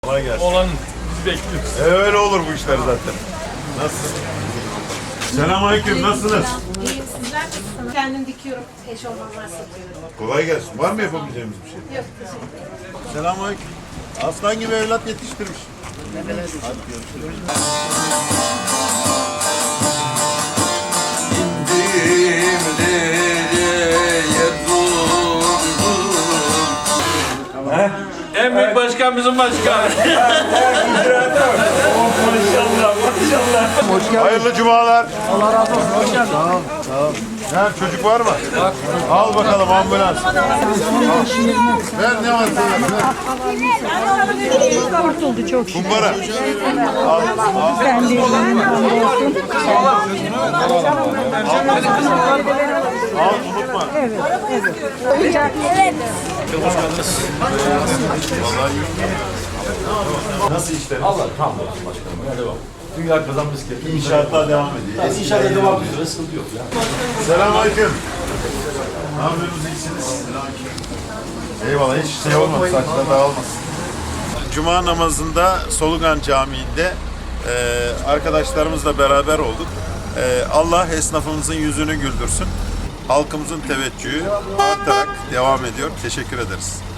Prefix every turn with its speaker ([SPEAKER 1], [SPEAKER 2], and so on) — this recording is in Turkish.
[SPEAKER 1] Kolay gelsin.
[SPEAKER 2] Olan bizi bekliyoruz.
[SPEAKER 1] Öyle olur bu işler zaten. Nasılsın? Selamünaleyküm, nasılsınız?
[SPEAKER 3] İyiyim, sizler nasılsınız? Kendim dikiyorum, eşofmanlar satıyorum.
[SPEAKER 1] Kolay gelsin. Var mı yapabileceğimiz bir şey?
[SPEAKER 3] Yok, teşekkür ederim.
[SPEAKER 1] Selamünaleyküm. Aslan gibi evlat yetiştirmiş. Hadi görüşürüz.
[SPEAKER 2] En büyük başkan bizim başkan. Maşallah.
[SPEAKER 1] Hayırlı cumalar. Allah razı olsun. Hoş geldin. Sağ ol. Sağ ol. Ver, çocuk var mı? Al bakalım ambulans. Ver ne var sana?
[SPEAKER 4] Kurtuldu çok şükür.
[SPEAKER 1] Kumbara. Al.
[SPEAKER 4] Ben de
[SPEAKER 1] Al unutma. Nasıl işler?
[SPEAKER 5] Allah hamdolsun başkanım. Ya devam. Dünya kazanması gerekiyor.
[SPEAKER 1] İnşaatlar devam ediyor.
[SPEAKER 5] İnşallah devam ediyor. Sıkıntı yok ya.
[SPEAKER 1] Selamünaleyküm. Ne yapıyorsunuz? İyisiniz? Eyvallah. Hiç şey olmadı. Saçlar dağılmasın. Cuma namazında Solugan Camii'nde arkadaşlarımızla beraber olduk. Allah esnafımızın yüzünü güldürsün. Halkımızın teveccühü artarak devam ediyor. Teşekkür ederiz.